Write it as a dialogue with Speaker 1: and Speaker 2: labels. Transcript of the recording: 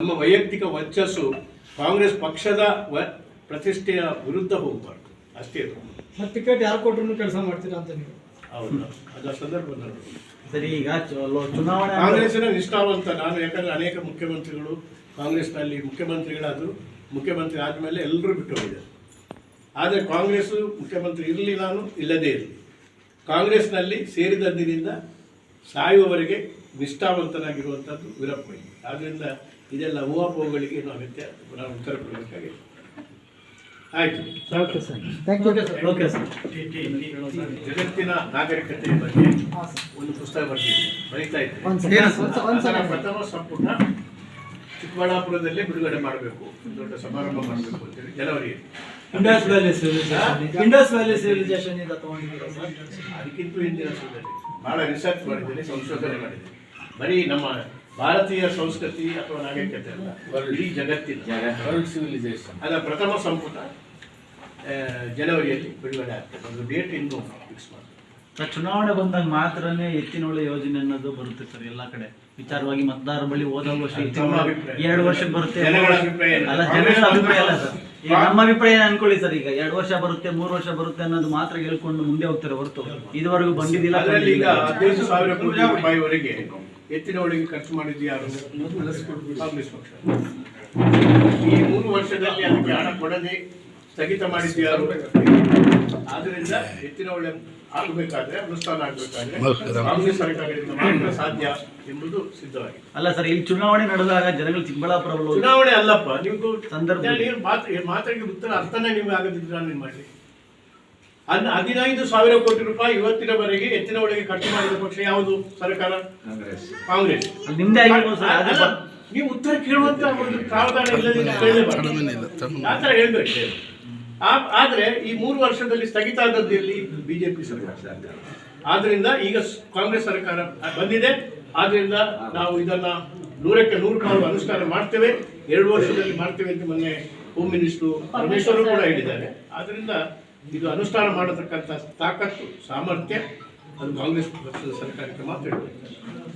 Speaker 1: ನಮ್ಮ ವೈಯಕ್ತಿಕ ವರ್ಚಸ್ಸು ಕಾಂಗ್ರೆಸ್ ಪಕ್ಷದ ಪ್ರತಿಷ್ಠೆಯ ವಿರುದ್ಧ ಹೋಗಬಾರ್ದು ಅಷ್ಟೇ.
Speaker 2: ಮತ್ತೆ ಟಿಕೆಟ್ ಯಾರು ಕೊಟ್ಟರು ಕೆಲಸ ಮಾಡ್ತೀರಾ ಅಂತ ನೀವು?
Speaker 1: ಹೌದು, ಅದರ ಸಂದರ್ಭ
Speaker 3: ಸರಿ. ಈಗ ಚುನಾವಣೆ
Speaker 1: ಕಾಂಗ್ರೆಸ್ಸಿನ ನಿಷ್ಠಾವಂತ ನಾನು, ಯಾಕಂದ್ರೆ ಅನೇಕ ಮುಖ್ಯಮಂತ್ರಿಗಳು ಕಾಂಗ್ರೆಸ್ನಲ್ಲಿ ಮುಖ್ಯಮಂತ್ರಿಗಳಾದರು, ಮುಖ್ಯಮಂತ್ರಿ ಆದಮೇಲೆ ಎಲ್ಲರೂ ಬಿಟ್ಟು ಹೋಗಿದ್ದಾರೆ. ಆದರೆ ಕಾಂಗ್ರೆಸ್ಸು ಮುಖ್ಯಮಂತ್ರಿ ಇರಲಿ, ನಾನು ಇಲ್ಲದೇ ಇರಲಿ, ಕಾಂಗ್ರೆಸ್ನಲ್ಲಿ ಸೇರಿದಂದಿನಿಂದ ಸಾಯುವವರೆಗೆ ನಿಷ್ಠಾವಂತನಾಗಿರುವಂಥದ್ದು ವೀರಪ್ಪ ಮೊಯ್ಲಿ. ಆದ್ದರಿಂದ ಇದೆಲ್ಲ ಊಹಾಪೋಹಗಳಿಗೆ ಏನು ಅಗತ್ಯ, ನಾವು ಉತ್ತರ ಕೊಡಬೇಕಾಗಿದೆ. ಆಯಿತು,
Speaker 2: okay sir, thank you.
Speaker 3: Okay sir.
Speaker 1: ಜಗತ್ತಿನ ನಾಗರಿಕತೆಯ ಬಗ್ಗೆ ಒಂದು ಪುಸ್ತಕ ಬರೀತಾ ಇದ್ದೀನಿ. ಅದರ ಪ್ರಥಮ ಸಂಪುಟ ಚಿಕ್ಕಬಳ್ಳಾಪುರದಲ್ಲೇ ಬಿಡುಗಡೆ ಮಾಡಬೇಕು, ದೊಡ್ಡ ಸಮಾರಂಭ ಮಾಡಬೇಕು ಅಂತೇಳಿ ಜನವರಿಯಲ್ಲಿ.
Speaker 2: ಇಂಡಸ್ ವ್ಯಾಲಿ ಸಿವಿಲೈಸೇಷನ್ ಇಂದ ತಗೊಂಡಿದ್ದೀರಾ ಸರ್?
Speaker 1: ಅದಕ್ಕಿಂತ ಹಿಂದಿನ ಸುಧಾರಣೆ ಭಾಳ ರಿಸರ್ಚ್ ಮಾಡಿದ್ದೇನೆ, ಸಂಶೋಧನೆ ಮಾಡಿದ್ದೇನೆ. ಬರೀ ನಮ್ಮ ಭಾರತೀಯ ಸಂಸ್ಕೃತಿ ಅಥವಾ ನಾಗರಿಕತೆ ಅಲ್ಲ, ಇಡೀ ಜಗತ್ತಿನ ವರ್ಲ್ಡ್ ಸಿವಿಲೈಸೇಷನ್ ಅದರ ಪ್ರಥಮ ಸಂಪುಟ ಜನವರಿಯಲ್ಲಿ ಬಿಡುಗಡೆ ಆಗ್ತದೆ. ಒಂದು ಡೇಟ್ ಇನ್ನೂ ಫಿಕ್ಸ್ ಮಾಡಿ.
Speaker 3: ಚುನಾವಣೆ ಬಂದಾಗ ಮಾತ್ರನೇ ಎತ್ತಿನೊಳೆ ಯೋಜನೆ ಅನ್ನೋದು ಬರುತ್ತೆ ಸರ್ ಎಲ್ಲ ಕಡೆ. ವಿಚಾರವಾಗಿ ಮತದಾರರ ಬಳಿ ಹೋದಾಗ ವರ್ಷ 2 ವರ್ಷಕ್ಕೆ ಬರುತ್ತೆ.
Speaker 1: ಜನಗಳ ಅಭಿಪ್ರಾಯ
Speaker 3: ಅಲ್ಲ, ಜನಗಳ ಅಭಿಪ್ರಾಯ ಅಲ್ಲ ಸರ್. ಈಗ ನಮ್ಮ ಅಭಿಪ್ರಾಯ ಅನ್ಕೊಳ್ಳಿ ಸರ್, ಈಗ 2 ವರ್ಷ ಬರುತ್ತೆ 3 ವರ್ಷ ಬರುತ್ತೆ ಅನ್ನೋದು ಮಾತ್ರ ಹೇಳ್ಕೊಂಡು ಮುಂದೆ ಹೋಗ್ತಾರೆ ಹೊರತು ಇದುವರೆಗೂ ಬಂದಿದ್ದಿಲ್ಲ.
Speaker 1: ಅದರಲ್ಲಿ ಈಗ 15,000 ಕೋಟಿ ರೂಪಾಯಿವರೆಗೆ ಎತ್ತಿನೊಳಗೆ ಖರ್ಚು ಮಾಡಿದ್ದು ಯಾರು? ಕಾಂಗ್ರೆಸ್ ಪಕ್ಷ. ಈ 3 ವರ್ಷದಲ್ಲಿ ಅದಕ್ಕೆ ಹಣ ಕೊಡದೆ ಸ್ಥಗಿತ ಮಾಡಿದ್ದು ಯಾರು? ಆದ್ರಿಂದ ಎತ್ತಿನೊಳೆ ಆಗಬೇಕಾದ್ರೆ, ಅನುಷ್ಠಾನ ಆಗಬೇಕಾದ್ರೆ ಕಾಂಗ್ರೆಸ್ ಸರ್ಕಾರದಿಂದ ಮಾತ್ರ ಸಾಧ್ಯ ಎಂಬುದು ಸಿದ್ಧವಾಗಿದೆ.
Speaker 3: ಅಲ್ಲ ಸರ್, ಇಲ್ಲಿ ಚುನಾವಣೆ ನಡೆದಾಗ ಜನಗಳು ಚಿಕ್ಕಬಳ್ಳಾಪುರ
Speaker 1: ಚುನಾವಣೆ ಅಲ್ಲಪ್ಪ, ನೀವು
Speaker 3: ಸಂದರ್ಭ
Speaker 1: ಮಾತಿಗೆ ಉತ್ತರ ಅರ್ಥನೇ ನಿಮ್ಗೆ ಆಗದಿದ್ರೆ ನಾನು ಏನು ಮಾಡಲಿ? 15,000 ಕೋಟಿ ರೂಪಾಯಿ ಇವತ್ತಿನವರೆಗೆ ಎತ್ತಿನೊಳಗೆ ಖರ್ಚು ಮಾಡಿದ ಪಕ್ಷ ಯಾವುದು? ಸರ್ಕಾರ ಕಾಂಗ್ರೆಸ್.
Speaker 3: ನಿಮ್ದೇ ಆಗಿರ್ಬೋದು ಸರ್.
Speaker 1: ಅಲ್ಲ, ನೀವು ಉತ್ತರ ಕೇಳುವಂತ ಒಂದು ಪ್ರಾವಧಾನ ಇಲ್ಲದಿಲ್ಲ, ಆ ಥರ ಹೇಳ್ಬೇಕು. ಆದ್ರೆ ಈ 3 ವರ್ಷದಲ್ಲಿ ಸ್ಥಗಿತ ಆದದ್ದು ಎಲ್ಲಿ? ಬಿಜೆಪಿ ಸರ್ಕಾರ. ಆದ್ರಿಂದ ಈಗ ಕಾಂಗ್ರೆಸ್ ಸರ್ಕಾರ ಬಂದಿದೆ. ಆದ್ರಿಂದ ನಾವು ಇದನ್ನ 100ಕ್ಕೆ 100 ಅನುಷ್ಠಾನ ಮಾಡ್ತೇವೆ, 2 ವರ್ಷದಲ್ಲಿ ಮಾಡ್ತೇವೆ ಅಂತ ಮೊನ್ನೆ ಹೋಮ್ ಮಿನಿಸ್ಟರ್ ಪರಮೇಶ್ವರ್ ಕೂಡ ಹೇಳಿದ್ದಾರೆ. ಆದ್ರಿಂದ ಇದು ಅನುಷ್ಠಾನ ಮಾಡತಕ್ಕಂಥ ತಾಕತ್ತು, ಸಾಮರ್ಥ್ಯ ಅದು ಕಾಂಗ್ರೆಸ್ ಪಕ್ಷದ ಸರ್ಕಾರಕ್ಕೆ ಮಾತ್ರ ಇರಬೇಕು.